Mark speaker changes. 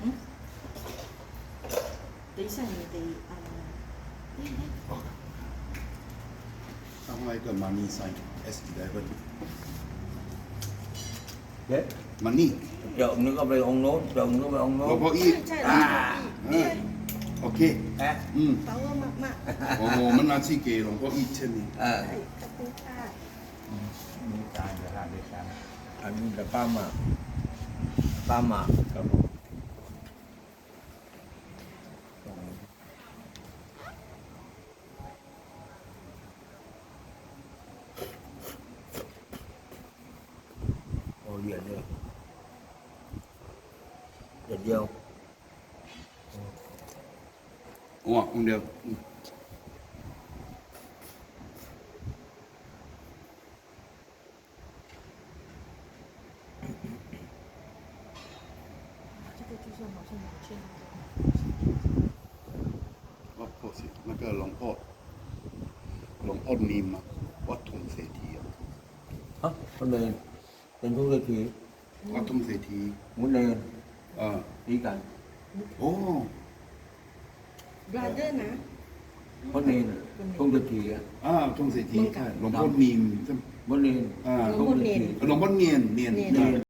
Speaker 1: 等一下你得
Speaker 2: 上来一个 money sign S11
Speaker 3: เด็ด
Speaker 2: money
Speaker 3: เดี๋ยวนึกเอาไปองค์โน้นเดี๋ยวนึกเอาไปองค์โน้
Speaker 2: หลวน งพ่ออีก
Speaker 1: 在
Speaker 2: โอเค
Speaker 3: แอะ
Speaker 1: 把我妈妈
Speaker 2: โอ้โหมันนาที่เกหลวงพ่ออีกเช่นนี้
Speaker 1: ขอบคุณค่ะ
Speaker 3: มีการกระทำด้วยกันอันนี้แต่ป้าหมากครับผมโอ้เหรียญเลยเหรียญเดียว
Speaker 2: โอ้องค์เดียว
Speaker 1: 这个就是好像有券
Speaker 2: ว่าพ่อสินั่นก็หลวงพ่อนิมวัดทุ่งเศรษฐี
Speaker 3: ฮะคนเดินเป็นผู้เศรษฐี
Speaker 2: วัดทุ่งเศรษฐี
Speaker 3: มุนเดิน
Speaker 2: อ่า
Speaker 3: นี่กัน
Speaker 2: โอ้
Speaker 1: brother นะ
Speaker 3: คนเดินผู้เศรษฐีอ่ะ
Speaker 2: ทุ่งเศรษฐีใช่หลวงพ่อนิม
Speaker 3: มุนเดิน
Speaker 2: อ่า
Speaker 3: ผู้เศรษฐี
Speaker 2: หลวงพ่อเนียน